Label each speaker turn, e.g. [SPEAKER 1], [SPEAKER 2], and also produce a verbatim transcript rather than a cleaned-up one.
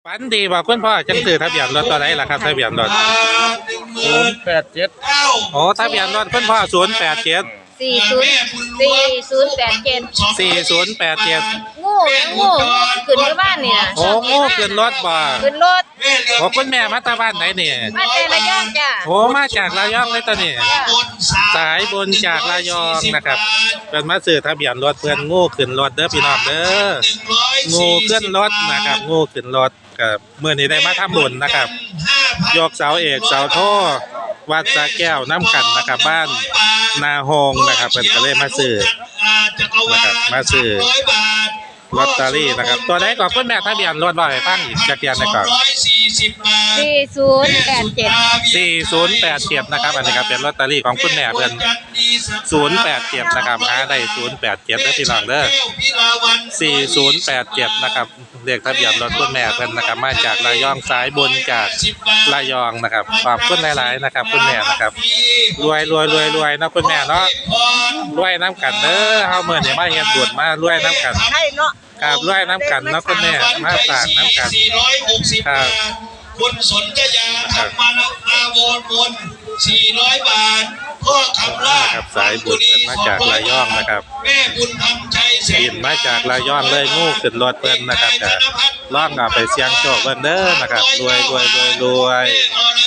[SPEAKER 1] ฝันดีบ่คุณพ่อจังซื้อทะเบียนรถตัวไหนล่ะครับทะเบียนรถ
[SPEAKER 2] ศูนย์แปดเจ็ด
[SPEAKER 1] โอ้ทะเบียนรถคุณพ่อศูนย์แปดเจ็ด
[SPEAKER 3] สี่ศูนย์สี่ศูนย์แปดเจ็ด
[SPEAKER 1] สี่ศูนย์แปดเจ็ด
[SPEAKER 3] งูงูงูขึ้นที่บ้านเนี่ย
[SPEAKER 1] โอ้งูขึ้นรถบ่
[SPEAKER 3] ขึ้นรถ
[SPEAKER 1] โอ้คุณแม่มาตาบ้านไหนนี่
[SPEAKER 3] มาแต่ระยองจ้ะ
[SPEAKER 1] โอ้มาจากระยองเลยตอนนี้สายบนจากระยองนะครับเป็นมาซื้อทะเบียนรถเพื่อนงูขึ้นรถเด้อพี่น้องเด้องูขึ้นรถนะครับงูขึ้นรถกับเมื่อนี้ได้มาทำบุญนะครับยกเสาเอกเสาโทวัดสะแก้วน้ำกันนะครับบ้านนาโฮงนะครับเป็นก็เลยมาซื้อนะครับมาซื้อลอตเตอรี่นะครับตัวไหนก่อนคุณแม่ทะเบียนรถบ่อยฟังอีกจักรยานในก่อน
[SPEAKER 3] สี่ศูนย์แปดเจ็ด
[SPEAKER 1] สี่ศูนย์แปดเจ็ดนะครับอันนี้ครับเป็นลอตเตอรี่ของคุณแม่เพิ่นศูนย์แปดเจ็ดนะครับหาได้ศูนย์แปดเจ็ดได้พี่น้องเด้อสี่ศูนย์แปดเจ็ดนะครับเลขทะเบียนรถคุณแม่เพิ่นนะครับมาจากระยองสายบนจากระยองนะครับขอบคุณหลายๆนะครับคุณแม่นะครับรวยรวยรวยรวยนะคุณแม่เนาะรวยน้ำกันเด้อเฮาเมื่อนี้มาเฮ็ดบุญมารวยน้ำกัน
[SPEAKER 3] ใช่เนาะ
[SPEAKER 1] ครับรวยน้ำกันเนาะคุณแม่มาฝากน้ำกันครับ
[SPEAKER 4] คุณสนธยาธรรมนาโวนวนสี่ร้อยบาทพ่อคำล่า
[SPEAKER 1] ครับสายบุญมาจากระยองนะครับ
[SPEAKER 4] แม่บุญธรรมชัยแสน
[SPEAKER 1] บินมาจากระยองเลยงูขึ้นรถเพิ่นนะครับจะล่องเอาไปเสี่ยงโชคเพิ่นเด้อนะครับรวยรวยรวยรวย